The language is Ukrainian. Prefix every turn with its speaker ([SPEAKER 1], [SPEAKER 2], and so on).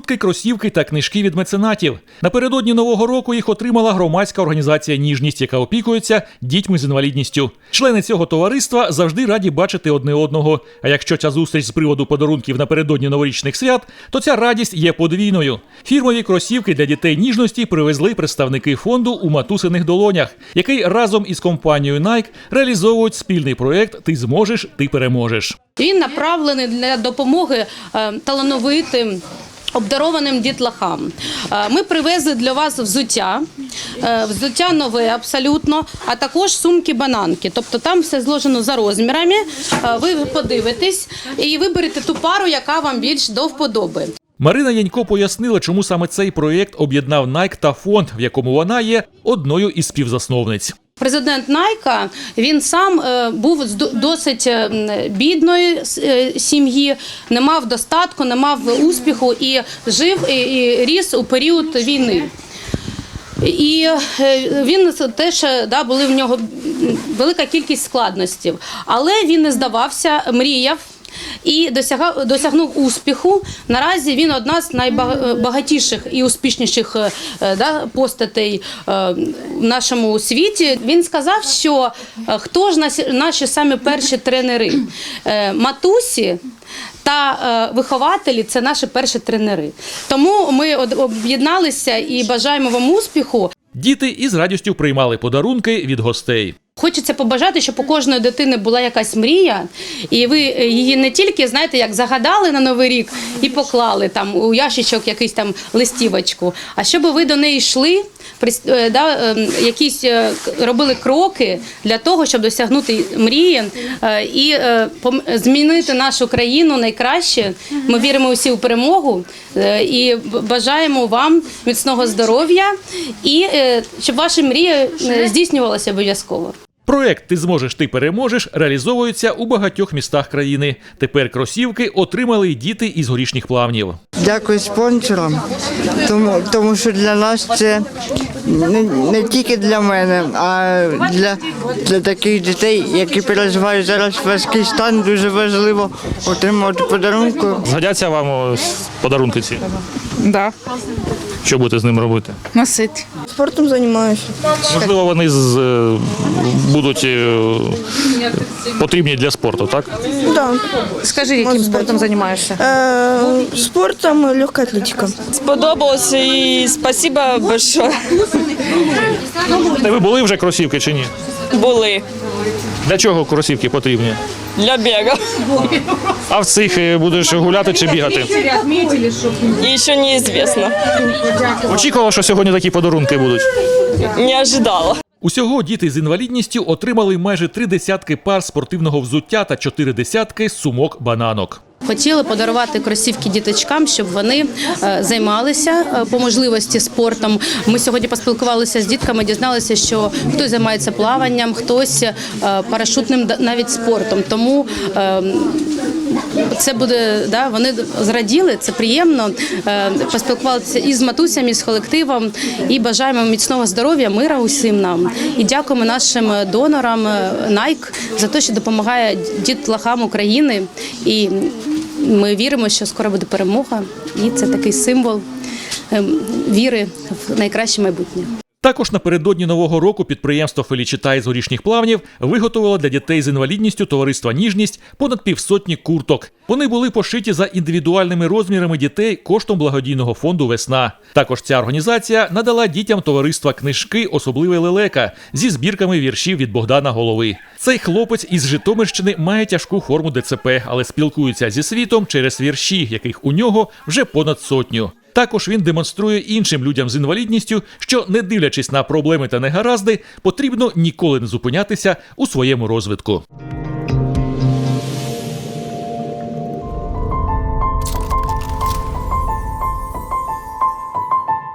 [SPEAKER 1] куртки, кросівки та книжки від меценатів. Напередодні Нового року їх отримала громадська організація «Ніжність», яка опікується дітьми з інвалідністю. Члени цього товариства завжди раді бачити одне одного. А якщо ця зустріч з приводу подарунків напередодні новорічних свят, то ця радість є подвійною. Фірмові кросівки для дітей ніжності привезли представники фонду «У матусиних долонях», який разом із компанією Nike реалізовують спільний проєкт «Ти зможеш, ти переможеш».
[SPEAKER 2] Він направлений для допомоги талановитим, обдарованим дітлахам. Ми привезли для вас взуття нове абсолютно, а також сумки-бананки. Тобто там все зложено за розмірами, ви подивитесь і виберете ту пару, яка вам більш до вподоби.
[SPEAKER 1] Марина Янько пояснила, чому саме цей проєкт об'єднав Nike та фонд, в якому вона є одною із співзасновниць.
[SPEAKER 2] Президент Найка, він сам був з досить бідної сім'ї, не мав достатку, не мав успіху і жив і ріс у період війни. І він теж, були в нього велика кількість складностей, але він не здавався, мріяв і досягнув успіху. Наразі він одна з найбагатіших і успішніших постатей в нашому світі. Він сказав, що хто ж наші самі перші тренери? Матусі та вихователі – це наші перші тренери. Тому ми об'єдналися і бажаємо вам успіху.
[SPEAKER 1] Діти із радістю приймали подарунки від гостей.
[SPEAKER 2] Хочеться побажати, щоб у кожної дитини була якась мрія, і ви її не тільки, знаєте, як загадали на Новий рік і поклали там у ящичок якийсь там листівочку, а щоб ви до неї йшли, якісь робили кроки для того, щоб досягнути мрії і змінити нашу країну найкраще. Ми віримо усі у перемогу і бажаємо вам міцного здоров'я і щоб ваші мрії здійснювалися обов'язково.
[SPEAKER 1] Проєкт «Ти зможеш, ти переможеш» реалізовується у багатьох містах країни. Тепер кросівки отримали й діти із Горішніх Плавнів.
[SPEAKER 3] Дякую спонсорам, тому що для нас це не тільки для мене, а для таких дітей, які переживають зараз важкий стан, дуже важливо отримати подарунки.
[SPEAKER 4] Згодяться вам подарунки ці?
[SPEAKER 5] Да.
[SPEAKER 4] Що будете з ним робити?
[SPEAKER 5] Носити.
[SPEAKER 3] Спортом займаюся.
[SPEAKER 4] Можливо, вони будуть потрібні для спорту, так?
[SPEAKER 3] Да.
[SPEAKER 5] Скажи, яким спортом займаєшся?
[SPEAKER 3] Спортом і легка атлетика.
[SPEAKER 6] Сподобалось і спасибо большое.
[SPEAKER 4] Ви були вже кросівки чи ні?
[SPEAKER 6] Були.
[SPEAKER 4] Для чого кросівки потрібні?
[SPEAKER 6] Для бега.
[SPEAKER 4] А в цих будеш гуляти чи бігати?
[SPEAKER 6] І ще неізвісно.
[SPEAKER 4] Очікувала, що сьогодні такі подарунки будуть?
[SPEAKER 6] Не ожидала.
[SPEAKER 1] Усього діти з інвалідністю отримали майже 30 пар спортивного взуття та 40 сумок бананок.
[SPEAKER 2] Хотіли подарувати кросівки діточкам, щоб вони займалися по можливості спортом. Ми сьогодні поспілкувалися з дітками, дізналися, що хтось займається плаванням, хтось парашутним навіть спортом. Тому це буде, вони зраділи, це приємно. Поспілкувалися і з матусями, і з колективом, і бажаємо міцного здоров'я, мира усім нам. І дякуємо нашим донорам Nike за те, що допомагає дітлахам України. І ми віримо, що скоро буде перемога, і це такий символ віри в найкраще майбутнє.
[SPEAKER 1] Також напередодні Нового року підприємство «Фелічита» із Горішніх Плавнів виготовило для дітей з інвалідністю товариства «Ніжність» понад 500 курток. Вони були пошиті за індивідуальними розмірами дітей коштом благодійного фонду «Весна». Також ця організація надала дітям товариства книжки «Особливе лелека» зі збірками віршів від Богдана Голови. Цей хлопець із Житомирщини має тяжку форму ДЦП, але спілкується зі світом через вірші, яких у нього вже понад 100. Також він демонструє іншим людям з інвалідністю, що, не дивлячись на проблеми та негаразди, потрібно ніколи не зупинятися у своєму розвитку.